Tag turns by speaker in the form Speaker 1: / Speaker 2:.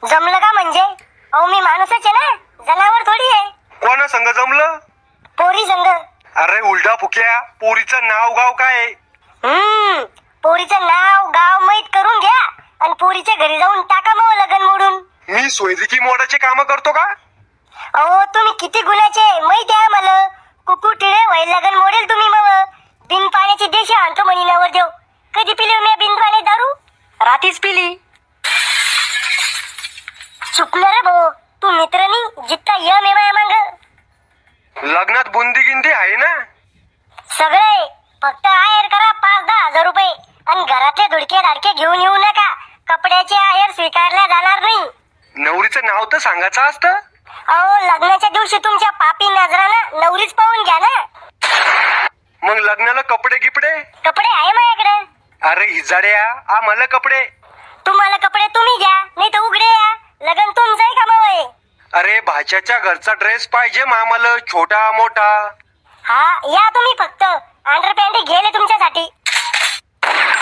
Speaker 1: जमलं का म्हणजे? अहो मी माणूसच आहे ना, जनावर थोडी आहे.
Speaker 2: कोणा संग जमलं?
Speaker 1: पोरी संग.
Speaker 2: अरे उलटा फुक्या, पोरीचं नाव गाव काय आहे?
Speaker 1: पोरीचं नाव गाव माहित करून घ्या आणि पोरीच्या घरी जाऊन टाका मग लगन मोडून.
Speaker 2: मी सोयरिकी मोडाचे काम करतो का?
Speaker 1: अहो तुम्ही किती गुन्ह्याचे माहिती आहे मला. कुकू टिळे वय लगन मोडेल तुम्ही मग. बिन पाण्याची देशी आणतो म्हणी नवर देव. कधी पिली मी बिन पाणी दारू?
Speaker 3: रातीच पिली.
Speaker 1: चुकलं रे भाऊ, तू मित्र नाही जितका यम आहे माया मांग.
Speaker 2: लग्नात बुंदी गिंदी आहे ना?
Speaker 1: सगळे फक्त आहेर करा 5-10 हजार रुपये आणि घरातले धुडके धाडके घेऊन येऊ नका. कपड्याचे आहेर स्वीकारल्या जाणार नाही.
Speaker 2: नवरीचं नाव तर सांगायचं असतं.
Speaker 1: अहो लग्नाच्या दिवशी तुमच्या पापी नजरानं नवरीच पाहून घ्या ना.
Speaker 2: मग लग्नाला कपडे गिपडे?
Speaker 1: कपडे आहे माझ्याकडे.
Speaker 2: अरे हिजाड्या, आम्हाला कपडे.
Speaker 1: तुम्हाला कपडे तुम्ही घ्या नाही तर उघडे या. लग्न तुमचं आहे का मावय?
Speaker 2: अरे भाच्याच्या घरचा ड्रेस पाहिजे मामाला, छोटा मोठा.
Speaker 1: हा या तुम्ही फक्त. अंडरपॅन्ट घेले तुमच्यासाठी.